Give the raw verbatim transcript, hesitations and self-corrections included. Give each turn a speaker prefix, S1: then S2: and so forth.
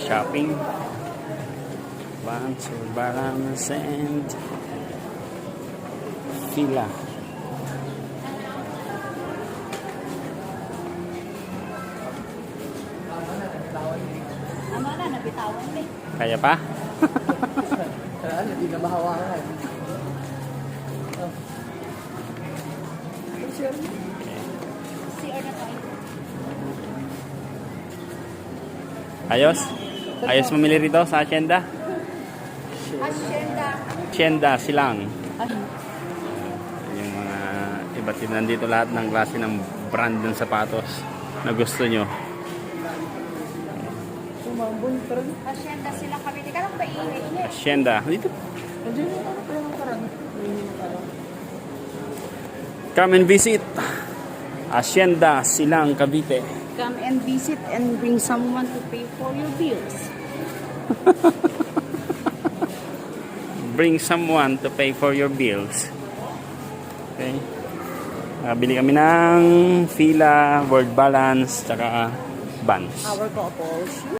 S1: shopping. Vans or balance and Fila.
S2: Ano na, nabitawan eh.
S1: Kaya pa?
S3: Kaya hindi na mahawakan. Oh.
S2: C R na tayo.
S1: Ayos? Ayos mamili rito sa Hacienda?
S2: Hacienda.
S1: Hacienda, Silang.
S2: Ay,
S1: Yung mga iba't ibang nandito lahat ng klase ng brand ng sapatos na gusto nyo.
S3: Sumambon pa rin.
S2: Hacienda sila kami. Di ka lang paingay-ingay.
S1: Hacienda. Dito.
S3: Andiyan yung ano pa yung karang.
S1: Come and visit. Hacienda, Silang, Cavite.
S2: Come and visit and bring someone to pay for your bills.
S1: Bring someone to pay for your bills. Okay. Uh, bili kami ng Fila, World Balance, tsaka Vans.
S2: Our couples.